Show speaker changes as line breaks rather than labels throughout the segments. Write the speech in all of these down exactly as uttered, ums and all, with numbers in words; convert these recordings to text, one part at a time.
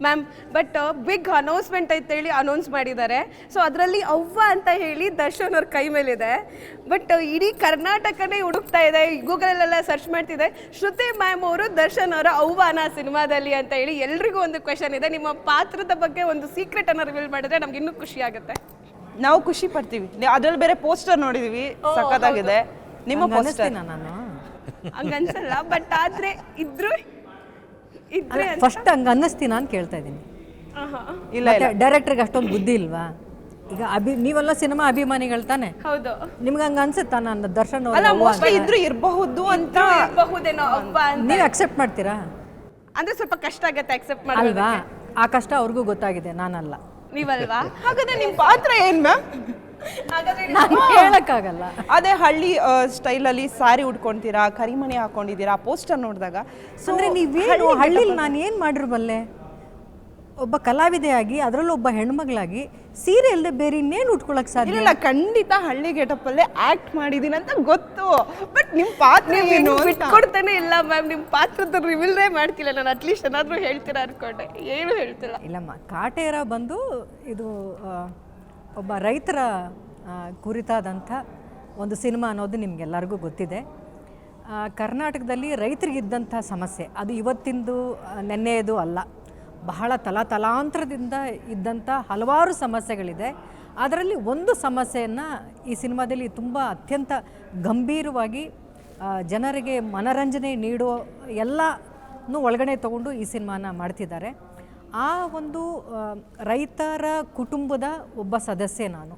Ma'am but big announcement ಅಂತ ಹೇಳಿ announce ಮಾಡಿದ್ದಾರೆ. ಸೊ ಅದರಲ್ಲಿ ಅವ್ವ ಅಂತ ಹೇಳಿ ದರ್ಶನ್ ಅವ್ರ ಕೈ ಮೇಲಿದೆ. ಬಟ್ ಇಡೀ ಕರ್ನಾಟಕನೇ ಹುಡುಕ್ತಾ ಇದೆ, ಗೂಗಲಲ್ಲೆಲ್ಲ ಸರ್ಚ್ ಮಾಡ್ತಿದೆ, ಶ್ರುತಿ ಮ್ಯಾಮ್ ಅವರು ದರ್ಶನ್ ಅವರ ಅವ್ವನ ಸಿನಿಮಾದಲ್ಲಿ ಅಂತ ಹೇಳಿ ಎಲ್ರಿಗೂ ಒಂದು ಕ್ವೆಶನ್ ಇದೆ. ನಿಮ್ಮ ಪಾತ್ರದ ಬಗ್ಗೆ ಒಂದು ಸೀಕ್ರೆಟ್ ಅನ್ನ ರಿವೀಲ್ ಮಾಡಿದ್ರೆ ನಮ್ಗೆ ಇನ್ನೂ ಖುಷಿ ಆಗುತ್ತೆ.
ನಾವು ಖುಷಿ ಪಡ್ತೀವಿ. ಅದ್ರಲ್ಲಿ ಬೇರೆ ಪೋಸ್ಟರ್ ನೋಡಿದೀವಿ, ಸಖತ್ತಾಗಿದೆ. ನಿಮ್ಮ ಪೋಸ್ಟರ್
ನಾನು
ಹಂಗನ್ಸಲ್ಲ, ಬಟ್ ಆದ್ರೆ ಇದ್ರು ಇದ್ರೆ
ಫಸ್ಟ್ ಹಂಗ ಅನ್ನಿಸ್ತೀನ ಅಂತ ಕೇಳ್ತಾ ಇದ್ದೀನಿ.
ಇಲ್ಲ
ಡೈರೆಕ್ಟರ್ಗೆ ಅಷ್ಟೊಂದು ಬುದ್ಧಿ ಇಲ್ವಾ? ಈಗ ಅಭಿ ನೀವೆಲ್ಲ ಸಿನಿಮಾ ಅಭಿಮಾನಿಗಳು ತಾನೆ,
ಹೌದು.
ನಿಮ್ಗೆ ಹಂಗ ಅನ್ಸುತ್ತಾ ನಾನು ದರ್ಶನ್
ಅಲ್ಲ
ಅವ್ರ
ಮೋಸ್ಟ್ಲಿ ಇದ್ರು ಇರಬಹುದು ಅಂತ
ಬಹುದೇನೋ ಅವ್ವ ಅಂತ.
ನೀವು ಅಕ್ಸೆಪ್ಟ್ ಮಾಡ್ತೀರಾ?
ಅಂದ್ರೆ ಸ್ವಲ್ಪ ಕಷ್ಟ ಆಗತ್ತೆ ಅಕ್ಸೆಪ್ಟ್
ಅಲ್ವಾ?
ಮಾಡೋದಕ್ಕೆ.
ಆ ಕಷ್ಟ ಅವ್ರಿಗೂ ಗೊತ್ತಾಗಿದೆ, ನಾನಲ್ಲ.
ನೀವಲ್ವಾ?
ಹಾಗಾದ್ರೆ ನಿಮ್ ಪಾತ್ರ ಏನ್ ಮ್ಯಾಮ್?
ಹಾಗಾದ್ರೆ
ನಾನು ಹೇಳಕ್ಕಾಗಲ್ಲ.
ಅದೇ ಹಳ್ಳಿ ಸ್ಟೈಲಲ್ಲಿ ಸಾರಿ ಉಟ್ಕೊಂತೀರಾ, ಕರಿಮಣಿ ಹಾಕೊಂಡಿದ್ದೀರಾ, ಪೋಸ್ಟರ್ ನೋಡಿದಾಗ
ಅಂದ್ರೆ ನೀವೇನು ಹಳ್ಳಿಲಿ ನಾನು ಏನು ಮಾಡಿರ್ಬಲ್ಲೆ? ಒಬ್ಬ ಕಲಾವಿದೆಯಾಗಿ ಅದರಲ್ಲೂ ಒಬ್ಬ ಹೆಣ್ಮಗಳಾಗಿ ಸೀರೆ ಇಲ್ಲದೆ ಬೇರೆ ಇನ್ನೇನು ಉಟ್ಕೊಳಕ್ ಸಾಧ್ಯ?
ಇಲ್ಲ ಖಂಡಿತ ಹಳ್ಳಿ ಗೆಟಪ್ ಅಲ್ಲೇ ಆಕ್ಟ್ ಮಾಡಿದೀನಿ ಅಂತ ಗೊತ್ತು, ಬಟ್ ನಿಮ್ ಪಾತ್ರ ಏನು
ಬಿಟ್ಕೊಡ್ತಾನೆ ಇಲ್ಲ ಮ್ಯಾಮ್. ನಿಮ್ಮ ಪಾತ್ರದ ರಿವೀಲ್ನೇ ಮಾಡ್ತಿಲ್ಲ ನಾನು. ಅಟ್ಲೀಸ್ಟ್ ಏನಾದರೂ ಹೇಳ್ತೀರಾ ಅನ್ಕೊಂಡೆ, ಏನು ಹೇಳ್ತಿಲ್ಲ.
ಇಲ್ಲಮ್ಮ, ಕಾಟೇರ ಬಂದು ಇದು ಆ, ಒಬ್ಬ ರೈತರ ಆ, ಕುರಿತಾದಂಥ ಒಂದು ಸಿನಿಮಾ ಅನ್ನೋದು ನಿಮಗೆಲ್ಲರಿಗೂ ಗೊತ್ತಿದೆ. ಆ, ಕರ್ನಾಟಕದಲ್ಲಿ ರೈತರಿಗಿದ್ದಂಥ ಸಮಸ್ಯೆ ಅದು ಇವತ್ತಿಂದು ಆ, ನೆನ್ನೆಯದು ಅಲ್ಲ, ಬಹಳ ತಲಾತಲಾಂತರದಿಂದ ಇದ್ದಂಥ ಹಲವಾರು ಸಮಸ್ಯೆಗಳಿದೆ. ಅದರಲ್ಲಿ ಒಂದು ಸಮಸ್ಯೆಯನ್ನು ಈ ಸಿನಿಮಾದಲ್ಲಿ ತುಂಬ ಅತ್ಯಂತ ಗಂಭೀರವಾಗಿ ಆ, ಜನರಿಗೆ ಮನರಂಜನೆ ನೀಡೋ ಎಲ್ಲನೂ ಒಳಗಡೆ ತಗೊಂಡು ಈ ಸಿನಿಮಾನ ಮಾಡ್ತಿದ್ದಾರೆ. ಆ ಒಂದು ಆ, ರೈತರ ಕುಟುಂಬದ ಒಬ್ಬ ಸದಸ್ಯೆ ನಾನು,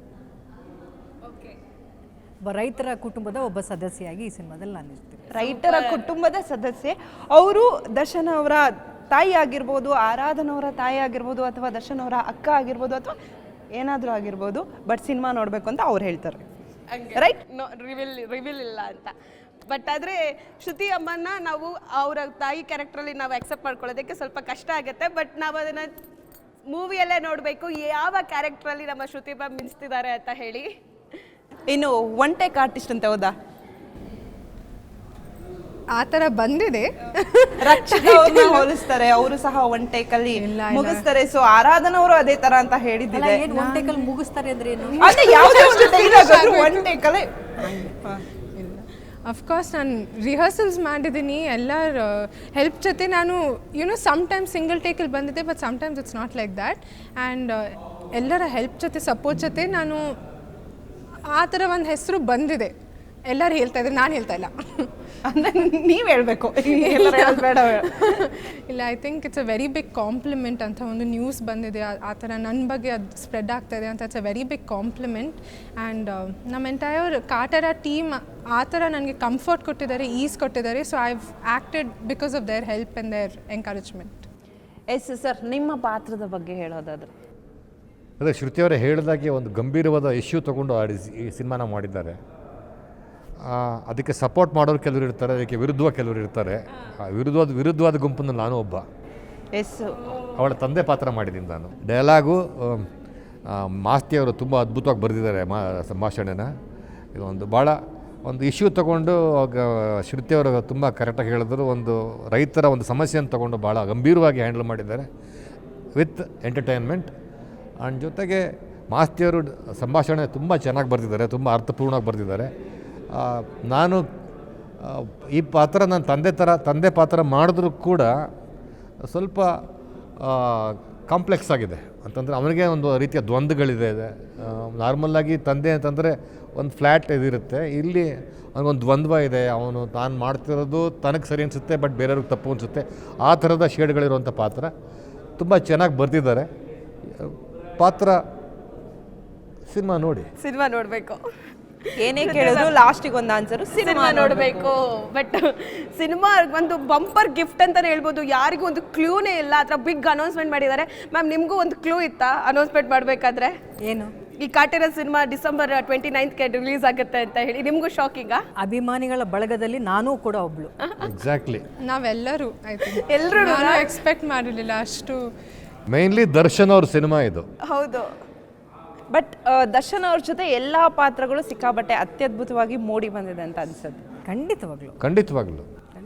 ಒಬ್ಬ ರೈತರ ಕುಟುಂಬದ ಒಬ್ಬ ಸದಸ್ಯೆಯಾಗಿ ಈ ಸಿನಿಮಾದಲ್ಲಿ ನಾನು ಇರ್ತೀನಿ.
ರೈತರ ಕುಟುಂಬದ ಸದಸ್ಯೆ ಅವರು. ದರ್ಶನ್ ಅವರ ತಾಯಿ ಆಗಿರ್ಬೋದು, ಆರಾಧನ ಅವರ ತಾಯಿ ಆಗಿರ್ಬೋದು, ಅಥವಾ ದರ್ಶನ್ ಅವರ ಅಕ್ಕ ಆಗಿರ್ಬೋದು, ಅಥವಾ ಏನಾದರೂ ಆಗಿರ್ಬೋದು, ಬಟ್ ಸಿನಿಮಾ ನೋಡಬೇಕು ಅಂತ ಅವ್ರು ಹೇಳ್ತಾರೆ, ರೈಟ್?
ರಿವೀಲ್ ರಿವೀಲ್ ಇಲ್ಲ ಅಂತ. ಬಟ್ ಆದರೆ ಶ್ರುತಿ ಅಮ್ಮನ ನಾವು ಅವರ ತಾಯಿ ಕ್ಯಾರೆಕ್ಟ್ರಲ್ಲಿ ನಾವು ಅಕ್ಸೆಪ್ಟ್ ಮಾಡ್ಕೊಳ್ಳೋದಕ್ಕೆ ಸ್ವಲ್ಪ ಕಷ್ಟ ಆಗುತ್ತೆ. ಬಟ್ ನಾವು ಅದನ್ನು ಮೂವಿಯಲ್ಲೇ ನೋಡಬೇಕು ಯಾವ ಕ್ಯಾರೆಕ್ಟ್ರಲ್ಲಿ ನಮ್ಮ ಶ್ರುತಿ ಮ್ಯಾಮ್ ಮಿಂಚ್ತಿದ್ದಾರೆ ಅಂತ ಹೇಳಿ.
ಇನ್ನು ಒನ್ ಟೇಕ್ ಆರ್ಟಿಸ್ಟ್ ಅಂತ ಹೌದಾ?
ಆ ಥರ ಬಂದಿದೆ.
ರಕ್ಷಿತಾ ಅವ್ರನ್ನ ಹೋಲಿಸ್ತಾರೆ, ಅವರು ಸಹ ಒನ್ ಟೇಕ್ ಅಲ್ಲಿ ಮುಗಿಸ್ತಾರೆ. ಸೊ ಆರಾಧನ ಅವರು ಅದೇ ತರ ಅಂತ ಹೇಳಿದ್ದಿದೆ.
ಏನು ಒನ್ ಟೇಕಲ್ಲಿ ಮುಗಿಸ್ತಾರೆ ಅಂದ್ರೆ ಏನು?
ಅಂದ್ರೆ ಯಾವುದೇ ಒಂದು ಡೈಲಾಗ್ ಆದ್ರೂ ಒನ್ ಟೇಕ್ ಅಲ್ಲೇ.
ಅಫ್ಕೋರ್ಸ್ ನಾನು ರಿಹರ್ಸಲ್ಸ್ ಮಾಡಿದ್ದೀನಿ, ಎಲ್ಲರ ಹೆಲ್ಪ್ ಜೊತೆ ನಾನು ಯುನೋ ಸಮ್ಟೈಮ್ಸ್ ಸಿಂಗಲ್ ಟೇಕಲ್ಲಿ ಬಂದಿದೆ, but sometimes it's not like that. And ಎಲ್ಲರ ಹೆಲ್ಪ್ ಜೊತೆ ಸಪೋರ್ಟ್ ಜೊತೆ ನಾನು ಆ ಥರ ಒಂದು ಹೆಸರು ಬಂದಿದೆ. ಎಲ್ಲರೂ ಹೇಳ್ತಾ ಇದ್ದಾರೆ, ನಾನು ಹೇಳ್ತಾ ಇಲ್ಲ.
ಅಂದ್ರೆ ನೀವು ಹೇಳಬೇಕು, ಎಲ್ಲರೂ ಹೇಳೋದು ಬೇಡ.
ಇಲ್ಲ, I think it's a very big compliment ಅಂತ ಒಂದು ನ್ಯೂಸ್ ಬಂದಿದೆ, ಆ ಥರ ನನ್ನ ಬಗ್ಗೆ ಅದು ಸ್ಪ್ರೆಡ್ ಆಗ್ತಾ ಇದೆ ಅಂತ. It's a very big compliment. And ನಮ್ಮ ಎಂಟೈರ್ ಕಾಟೇರ ಟೀಮ್ ಆ ಥರ ನನಗೆ ಕಂಫರ್ಟ್ ಕೊಟ್ಟಿದ್ದಾರೆ, ಈಸ್ ಕೊಟ್ಟಿದ್ದಾರೆ. So I have acted because of their help and their encouragement.
Yes sir, ನಿಮ್ಮ ಪಾತ್ರದ ಬಗ್ಗೆ ಹೇಳೋದಾದ್ರೆ?
ಅದೇ ಶ್ರುತಿಯವರೇ ಹೇಳಿದಾಗೆ ಒಂದು ಗಂಭೀರವಾದ ಇಶ್ಯೂ ತೊಗೊಂಡು ಆಡಿ ಈ ಸಿನಿಮಾನ ಮಾಡಿದ್ದಾರೆ. ಅದಕ್ಕೆ ಸಪೋರ್ಟ್ ಮಾಡೋರು ಕೆಲವರು ಇರ್ತಾರೆ, ಅದಕ್ಕೆ ವಿರುದ್ಧವಾಗಿ ಕೆಲವರು ಇರ್ತಾರೆ. ವಿರುದ್ಧವಾದ ವಿರುದ್ಧವಾದ ಗುಂಪಿನಲ್ಲಿ ನಾನು ಒಬ್ಬ.
ಎಸ್,
ಅವಳ ತಂದೆ ಪಾತ್ರ ಮಾಡಿದ್ದೀನಿ ನಾನು. ಡೈಲಾಗು ಮಾಸ್ತಿಯವರು ತುಂಬ ಅದ್ಭುತವಾಗಿ ಬರೆದಿದ್ದಾರೆ ಮಾ ಸಂಭಾಷಣೆನ. ಇದೊಂದು ಭಾಳ ಒಂದು ಇಶ್ಯೂ ತೊಗೊಂಡು ಶ್ರುತಿಯವರು ತುಂಬ ಕರೆಕ್ಟಾಗಿ ಹೇಳಿದ್ರು. ಒಂದು ರೈತರ ಒಂದು ಸಮಸ್ಯೆಯನ್ನು ತೊಗೊಂಡು ಭಾಳ ಗಂಭೀರವಾಗಿ ಹ್ಯಾಂಡಲ್ ಮಾಡಿದ್ದಾರೆ ವಿತ್ ಎಂಟರ್ಟೈನ್ಮೆಂಟ್. ಆ್ಯಂಡ್ ಜೊತೆಗೆ ಮಾಸ್ತಿಯವರು ಸಂಭಾಷಣೆ ತುಂಬ ಚೆನ್ನಾಗಿ ಬರೆದಿದ್ದಾರೆ, ತುಂಬ ಅರ್ಥಪೂರ್ಣವಾಗಿ ಬರೆದಿದ್ದಾರೆ. ನಾನು ಈ ಪಾತ್ರ ನನ್ನ ತಂದೆ ಥರ ತಂದೆ ಪಾತ್ರ ಮಾಡಿದ್ರೂ ಕೂಡ ಸ್ವಲ್ಪ ಕಾಂಪ್ಲೆಕ್ಸ್ ಆಗಿದೆ. ಅಂತಂದರೆ ಅವನಿಗೆ ಒಂದು ರೀತಿಯ ದ್ವಂದ್ವಗಳಿದೆ. ನಾರ್ಮಲ್ಲಾಗಿ ತಂದೆ ಅಂತಂದರೆ ಒಂದು ಫ್ಲ್ಯಾಟ್ ಇದಿರುತ್ತೆ, ಇಲ್ಲಿ ಅವನಿಗೊಂದು ದ್ವಂದ್ವ ಇದೆ. ಅವನು ತಾನು ಮಾಡ್ತಿರೋದು ತನಗೆ ಸರಿ ಅನಿಸುತ್ತೆ, ಬಟ್ ಬೇರೆಯವ್ರಿಗೆ ತಪ್ಪು ಅನಿಸುತ್ತೆ. ಆ ಥರದ ಶೇಡ್ಗಳಿರುವಂಥ ಪಾತ್ರ ತುಂಬ ಚೆನ್ನಾಗಿ ಬರೆದಿದ್ದಾರೆ. ಪಾತ್ರ ಸಿನಿಮಾ ನೋಡಿ,
ಸಿನಿಮಾ ನೋಡಬೇಕು.
ಏನೇ ಕೇಳಿದ್ರು ಲಾಸ್ಟಿಗೆ ಒಂದು ಆನ್ಸರು
ಸಿನಿಮಾ ನೋಡಬೇಕು. ಬಟ್ ಸಿನಿಮಾ ಒಂದು ಬಂಪರ್ ಗಿಫ್ಟ್ ಅಂತಲೇ ಹೇಳ್ಬೋದು. ಯಾರಿಗೂ ಒಂದು ಕ್ಲೂನೇ ಇಲ್ಲ. ಆ ಥರ ಬಿಗ್ ಅನೌನ್ಸ್ಮೆಂಟ್ ಮಾಡಿದ್ದಾರೆ. ಮ್ಯಾಮ್, ನಿಮಗೂ ಒಂದು ಕ್ಲೂ ಇತ್ತಾ ಅನೌನ್ಸ್ಮೆಂಟ್ ಮಾಡಬೇಕಾದ್ರೆ?
ಏನು?
ಈ ಕಾಟೇರ ಸಿನಿಮಾ ಡಿಸೆಂಬರ್ ಟ್ವೆಂಟಿ ನೈನ್ತ್ಗೆ ರಿಲೀಸ್ ಆಗುತ್ತೆ ಅಂತ ಹೇಳಿ ನಿಮಗೂ ಶಾಕಿಂಗಾ?
ಅಭಿಮಾನಿಗಳ ಬಳಗದಲ್ಲಿ ನಾನೂ ಕೂಡ ಒಬ್ಳು.
ಎಕ್ಸಾಕ್ಟ್ಲಿ,
ನಾವೆಲ್ಲರೂ ಐ ಥಿಂಕ್
ಎಲ್ಲರೂ
ನಾನು ಎಕ್ಸ್ಪೆಕ್ಟ್ ಮಾಡಿರಲಿಲ್ಲ ಅಷ್ಟು.
ಮೇನ್ಲಿ ದರ್ಶನ್ ಅವ್ರ ಸಿನಿಮಾ ಇದು.
ಹೌದು,
ಬಟ್ ದರ್ಶನ್ ಅವ್ರ ಜೊತೆ ಎಲ್ಲ ಪಾತ್ರಗಳು ಸಿಕ್ಕಾಬಟ್ಟೆ ಅತ್ಯದ್ಭುತವಾಗಿ ಮೂಡಿ ಬಂದಿದೆ ಅಂತ ಅನ್ಸುತ್ತೆ.
ಖಂಡಿತವಾಗ್ಲು
ಖಂಡಿತವಾಗ್ಲೂ